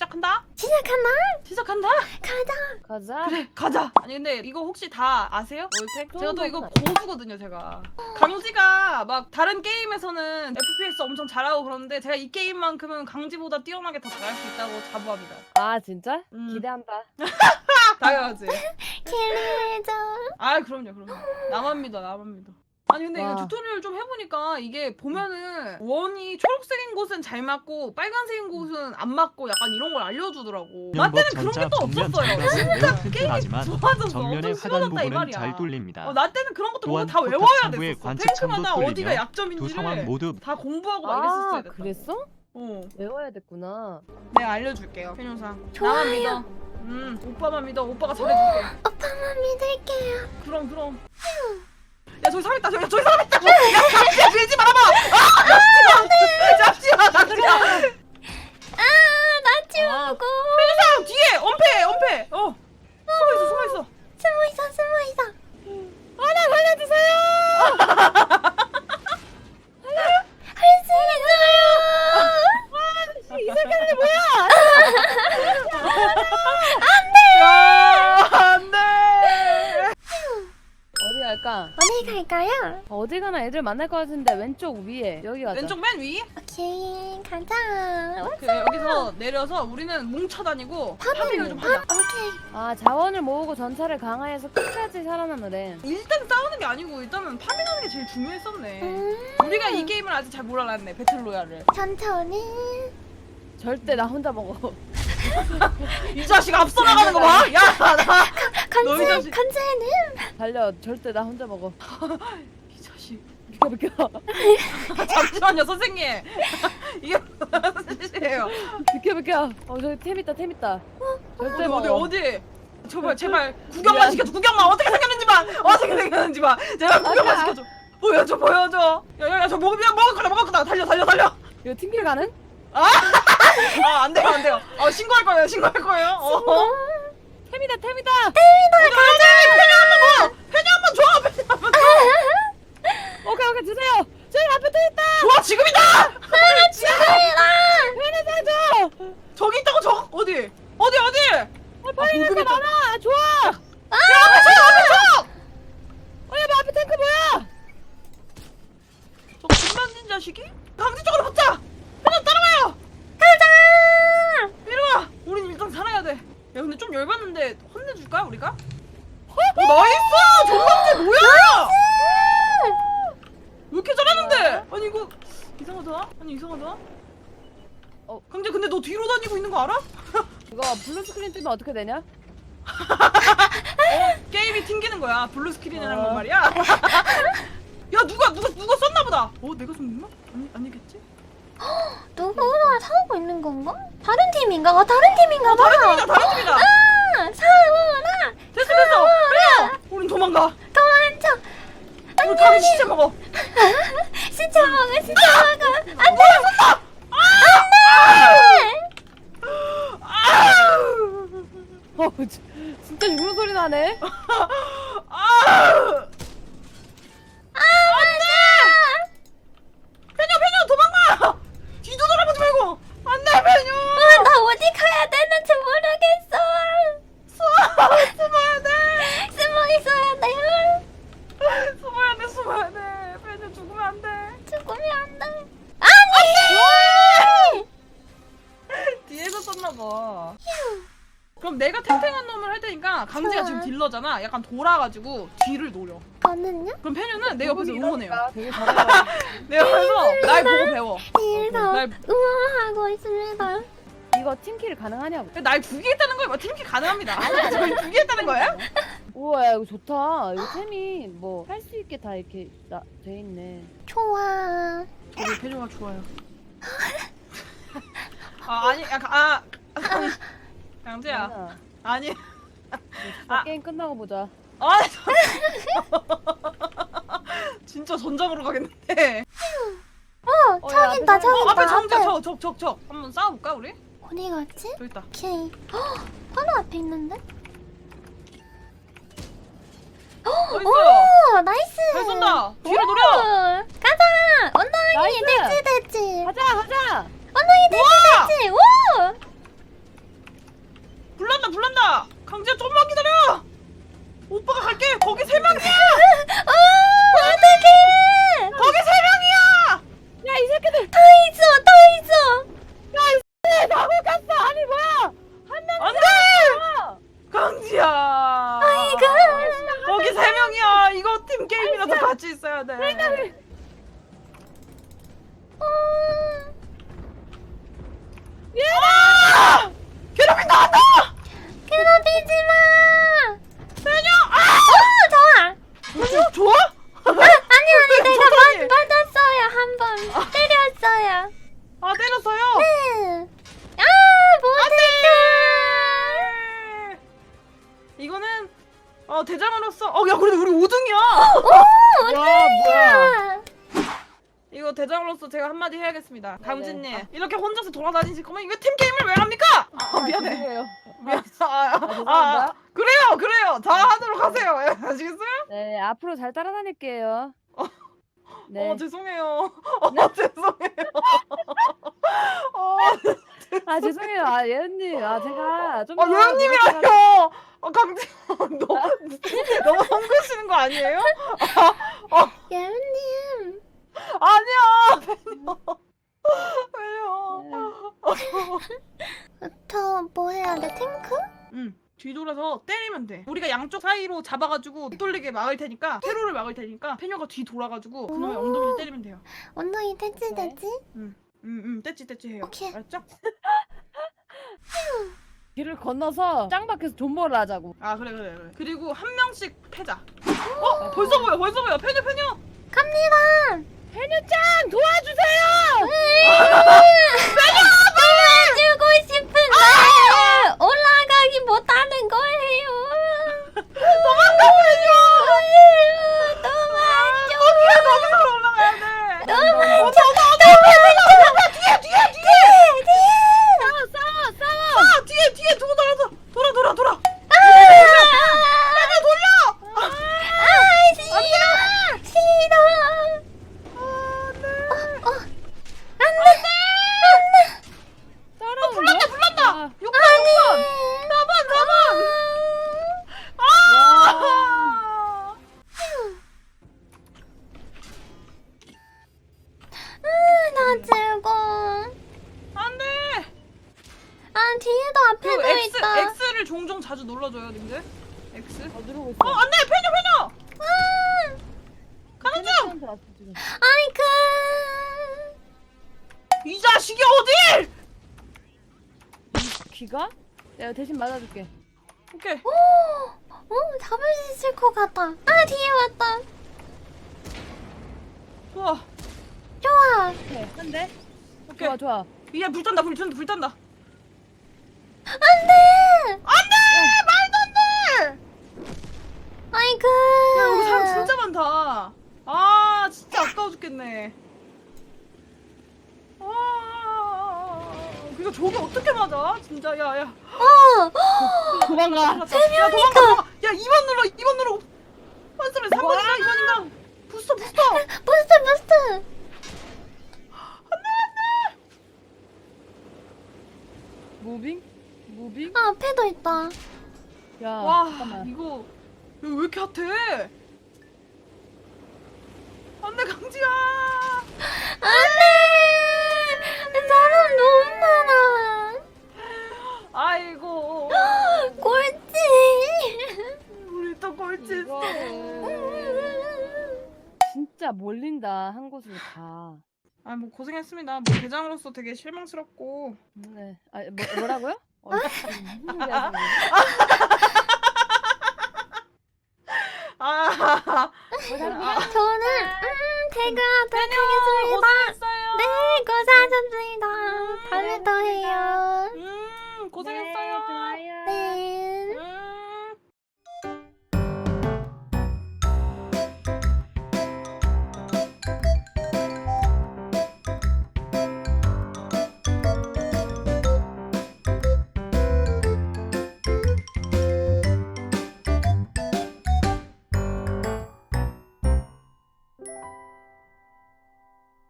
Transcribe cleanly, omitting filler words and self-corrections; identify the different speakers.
Speaker 1: 시작한다.
Speaker 2: 시작하나?
Speaker 1: 시작한다.
Speaker 2: 가자.
Speaker 1: 그래 가자. 아니 근데 이거 혹시 다 아세요? 월텍? 제가 또 이거
Speaker 2: 처음
Speaker 1: 고수거든요 제가. 강지가 막 다른 게임에서는 FPS 엄청 잘하고 그러는데 제가 이 게임만큼은 강지보다 뛰어나게 더 잘할 수 있다고 자부합니다.
Speaker 2: 아 진짜?
Speaker 1: 음.
Speaker 2: 기대한다.
Speaker 1: 당연하지.
Speaker 2: 킬리해줘.
Speaker 1: 아 그럼요. 나만 믿어. 아니 근데
Speaker 2: 와.
Speaker 1: 이거 튜토리얼 좀 해보니까 이게 보면은 원이 초록색인 곳은 잘 맞고 빨간색인 곳은 안 맞고 약간 이런 걸 알려주더라고. 나 때는 그런 게 또 없었어요. 진짜
Speaker 3: 튼튼하지만
Speaker 1: 좋아져서
Speaker 3: 정면의
Speaker 1: 엄청
Speaker 3: 하단
Speaker 1: 쉬워졌다 이
Speaker 3: 부분은
Speaker 1: 말이야.
Speaker 3: 잘 뚫립니다.
Speaker 1: 나 때는 그런 것도
Speaker 3: 또한
Speaker 1: 다
Speaker 3: 포탑
Speaker 1: 외워야
Speaker 3: 상부의
Speaker 1: 됐었어.
Speaker 3: 관측창도
Speaker 1: 탱크마다 어디가
Speaker 3: 뚫리며 두
Speaker 1: 약점인지를
Speaker 3: 상황 모두
Speaker 1: 다 공부하고 막 이랬었어야 됐다.
Speaker 2: 그랬어?
Speaker 1: 어.
Speaker 2: 외워야 됐구나.
Speaker 1: 내가 알려줄게요. 페뇨상.
Speaker 2: 좋아요.
Speaker 1: 나만 믿어. 오빠만 믿어. 오빠가 잘해줄게.
Speaker 2: 오빠만 믿을게요.
Speaker 1: 그럼. 야 저기 사람 있다. 저기 사람 있다. 야 잡지야 밀지 말아봐. 잡지마.
Speaker 2: 나 치우고.
Speaker 1: 페뇨상 뒤에 엄폐. 숨어 있어.
Speaker 2: 숨어 있어.
Speaker 1: 나 살려주세요.
Speaker 2: 할 수 있어요.
Speaker 1: 이 새끼들이 뭐야? 안돼.
Speaker 2: 어디 갈까?
Speaker 4: 어디 갈까요?
Speaker 2: 어디 가나 애들 만날 것 같은데 왼쪽 위에 여기 가자.
Speaker 1: 왼쪽 맨 위.
Speaker 4: 오케이 가자.
Speaker 1: 여기서 내려서 우리는 뭉쳐 다니고 파밍을 좀 하자.
Speaker 4: 오케이.
Speaker 2: 아 자원을 모으고 전차를 강화해서 끝까지 살아남으래.
Speaker 1: 일단 싸우는 게 아니고 일단은 파밍하는 게 제일 중요했었네. 우리가 이 게임을 아직 잘 몰랐네. 배틀로얄을.
Speaker 4: 천천히.
Speaker 2: 절대 나 혼자 먹어.
Speaker 1: 이 자식 앞서 나가는 거 봐. 야 나. 너희 자식.
Speaker 4: 간지는.
Speaker 2: 달려. 절대 나 혼자 먹어.
Speaker 1: 이 자식.
Speaker 2: 비켜.
Speaker 1: 잠시만요 선생님. 이게 무슨 짓이에요?
Speaker 2: 비켜. 저기 템 있다. 절대 먹어.
Speaker 1: 어디? 제발 구경만 시켜줘. 구경만 어떻게 생겼는지 봐. 제발 구경만 시켜줘. 보여줘. 야야야 저 먹을 거다. 달려.
Speaker 2: 이거 팀킬 가는?
Speaker 1: 안 돼요. 신고할 거예요.
Speaker 2: 템이다.
Speaker 1: 가자. 페뇨 한번 줘.
Speaker 2: 오케이 주세요. 저기 앞에 또 있다.
Speaker 1: 좋아 지금이다.
Speaker 2: 편의상 줘.
Speaker 1: 저기 있다고 저 어디?
Speaker 2: 빨리 있는 거 많아. 좋아.
Speaker 1: 앞에 쳐.
Speaker 2: 야, 앞에 탱크 뭐야?
Speaker 1: 저 김만진 자식이? 강지 쪽으로 붙자. 페뇨 따라와요. 이리 와. 우린 일단 살아야 돼. 야 근데 좀 열받는데 혼내줄까 우리가? 나이스. 정강지 뭐야? 왜 이렇게 잘하는데? 아니 이거 이상하다. 강재 근데 너 뒤로 다니고 있는 거 알아?
Speaker 2: 이거 블루 스크린 뜨면 어떻게 되냐?
Speaker 1: 게임이 튕기는 거야. 블루 스크린이라는 건 말이야. 야 누가 썼나 보다. 내가 썼나? 아니겠지?
Speaker 4: 누구나 사오고 있는 건가? 다른 팀인가? 다른 팀인가 봐.
Speaker 1: 다른 팀이다.
Speaker 4: 사오나.
Speaker 1: 됐어. 그래. 우린 도망가.
Speaker 4: 도망쳐.
Speaker 1: 우리 다른 시체 먹어.
Speaker 4: 진짜 먹어. 안돼.
Speaker 2: 진짜 죽는 소리 나네.
Speaker 1: 페뇨 도망가. 뒤도 돌아보지 말고. 안돼 페뇨.
Speaker 4: 나 어디 가야 되는지 모르겠어.
Speaker 1: 숨어야 돼.
Speaker 4: 숨어 있어야 돼.
Speaker 1: 숨어야 돼. 페뇨 죽으면 안 돼.
Speaker 4: 죽으면 안 돼.
Speaker 1: 뒤에서 썼나 봐. 그럼 내가 탱탱한 놈을 할 테니까 강지가 지금 딜러잖아. 약간 돌아가지고 뒤를 노려.
Speaker 4: 저는요?
Speaker 1: 그럼 페뇨는 내 옆에서 응원해요.
Speaker 2: 되게 잘한다.
Speaker 1: 내 옆에서 날 보고 배워.
Speaker 4: 뒤에서
Speaker 1: 날
Speaker 4: 응원하고 있습니다.
Speaker 2: 이거 팀킬 가능하냐고.
Speaker 1: 날 죽이겠다는 거야? 팀키 가능합니다. 저희 죽이겠다는 거야?
Speaker 2: 우와 야, 이거 좋다. 이거 템이 뭐 할 수 있게 다 이렇게 돼 있네.
Speaker 4: 좋아.
Speaker 1: 저희 페뇨가 좋아요. 아니 약간 강재야.
Speaker 2: 괜찮아.
Speaker 1: 아니.
Speaker 2: 진짜 게임 끝나고 보자.
Speaker 1: 진짜 전장으로 가겠는데.
Speaker 4: 저기 있다. 저기 있다.
Speaker 1: 앞에 적. 한번 싸워볼까 우리?
Speaker 4: 어디 갔지?
Speaker 1: 저기 있다.
Speaker 4: 오케이. 바로 앞에 있는데?
Speaker 1: 어디 있어?
Speaker 4: 오, 나이스.
Speaker 1: 잘 쏜다. 뒤를 노려.
Speaker 4: 가자. 언더이
Speaker 2: 나이스.
Speaker 4: 됐지.
Speaker 2: 가자.
Speaker 4: 언더이 됐지. 오.
Speaker 1: 간다. 강지야 좀만 기다려. 오빠가 갈게. 거기 3명이야.
Speaker 4: 어떡해!
Speaker 1: 거기 3명이야.
Speaker 2: 야 이 새끼들
Speaker 4: 더 있어, 더 있어!
Speaker 2: 나못 갔어. 아니 뭐야? 한 명.
Speaker 1: 안돼. 강지야.
Speaker 4: 아이고!
Speaker 1: 거기 3명이야. 이거 팀 게임이라서 같이 있어야 돼. 아! 괴롭힌다 한다.
Speaker 4: 괴롭히지 마!
Speaker 1: 세녀.
Speaker 4: 좋아!
Speaker 1: 좋아?
Speaker 4: 아니, 내가
Speaker 1: 좋다니.
Speaker 4: 맞았어요, 한 번. 때렸어요.
Speaker 1: 아 때렸어요.
Speaker 4: 네. 아, 못했다!
Speaker 1: 이거는 대장으로서 야 그래도 우리 5등이야.
Speaker 2: 와 뭐야?
Speaker 4: 아,
Speaker 1: 이거 대장으로서 제가 한마디 해야겠습니다. 강진님
Speaker 2: 네.
Speaker 1: 이렇게 혼자서 돌아다니실 거면 이거 팀 게임을 왜 합니까? 미안해.
Speaker 2: 죄송해요.
Speaker 1: 미안.
Speaker 2: 죄송합니다.
Speaker 1: 그래요. 다 하도록 하세요. 예, 아시겠어요?
Speaker 2: 네 앞으로 잘 따라다닐게요. 네.
Speaker 1: 죄송해요. 죄송해요.
Speaker 2: 아 죄송해요. 아 예은님. 아 제가 좀.
Speaker 1: 예언님이라뇨. 강진 너무 성그시는 거 아니에요?
Speaker 4: 예은님.
Speaker 1: 아니야. 왜요?
Speaker 4: 저 뭐 해야 돼? 탱크?
Speaker 1: 뒤돌아서 때리면 돼. 우리가 양쪽 사이로 잡아가지고 돌리게 막을 테니까 퇴로를 막을 테니까 페녀가 뒤 돌아가지고 그놈의 엉덩이를 때리면 돼요.
Speaker 4: 엉덩이 됐지,
Speaker 2: 네.
Speaker 4: 됐지?
Speaker 1: 떼찌 해요.
Speaker 4: 오케이.
Speaker 1: 알았죠?
Speaker 2: 길을 건너서 짱박해서 존버를 하자고.
Speaker 1: 아 그래. 그리고 한 명씩 패자. 벌써 보여. 페녀.
Speaker 4: 갑니다!
Speaker 2: 해녀짱 도와주세요.
Speaker 4: 도와주고 싶은데 올라가기 못하는 거예요.
Speaker 1: 도망가 페녀.
Speaker 4: 도와줘.
Speaker 1: 거기서 올라가야 돼.
Speaker 4: 도와줘.
Speaker 1: 뒤에 뒤에 두고 돌아.
Speaker 4: 싫어.
Speaker 2: 따라오는
Speaker 1: 불난다.
Speaker 2: 아,
Speaker 1: 6번. 4번.
Speaker 2: 와.
Speaker 4: 나 즐거.
Speaker 1: 안돼.
Speaker 4: 아 뒤에도 앞에도 있다.
Speaker 1: X를 종종 자주 눌러줘요, 님들. X.
Speaker 2: 누르고 있어.
Speaker 1: 안돼 페녀. 가는 중.
Speaker 2: 해녀짱한테 왔어 지금.
Speaker 4: 아이쿠.
Speaker 1: 이 자식이 어딜?
Speaker 2: 귀가? 내가 대신 맞아줄게.
Speaker 1: 오케이.
Speaker 4: 오, 잡을 수 있을 것 같다. 아 뒤에 왔다.
Speaker 1: 좋아.
Speaker 4: 좋아.
Speaker 2: 오케이. 한 대.
Speaker 1: 오케이.
Speaker 2: 좋아.
Speaker 1: 위에 불 탄다. 불 탄다.
Speaker 4: 안돼.
Speaker 1: 말도 안 돼.
Speaker 4: 아이쿠.
Speaker 1: 야 여기 사람 진짜 많다. 아 진짜 아까워 죽겠네. 그니까 저게 어떻게 맞아? 진짜 야.
Speaker 2: 도망가.
Speaker 1: 야 도망가. 야 2번 눌러. 한숨에 3번인가 2번인가. 부스터.
Speaker 4: 부스트.
Speaker 2: 무빙?
Speaker 4: 아 앞에도 있다.
Speaker 2: 야
Speaker 1: 와
Speaker 2: 잠깐만.
Speaker 1: 이거 왜 이렇게 핫해? 안돼 강지야.
Speaker 4: 안돼. 사람 너무 많아.
Speaker 1: 아이고
Speaker 4: 꼴찌.
Speaker 1: 우리 또 꼴찌 했어.
Speaker 2: 진짜 몰린다 한 곳으로 다.
Speaker 1: 아 뭐 고생했습니다. 뭐 대장으로서 되게 실망스럽고.
Speaker 2: 네. 아 뭐라고요? 무슨 소리 하시는 거예요?
Speaker 4: 저는 퇴근하도록 하겠습니다.
Speaker 1: 고생했어요.
Speaker 4: 네, 고생하셨습니다. 다음에 또 해요.
Speaker 1: 고생했어요.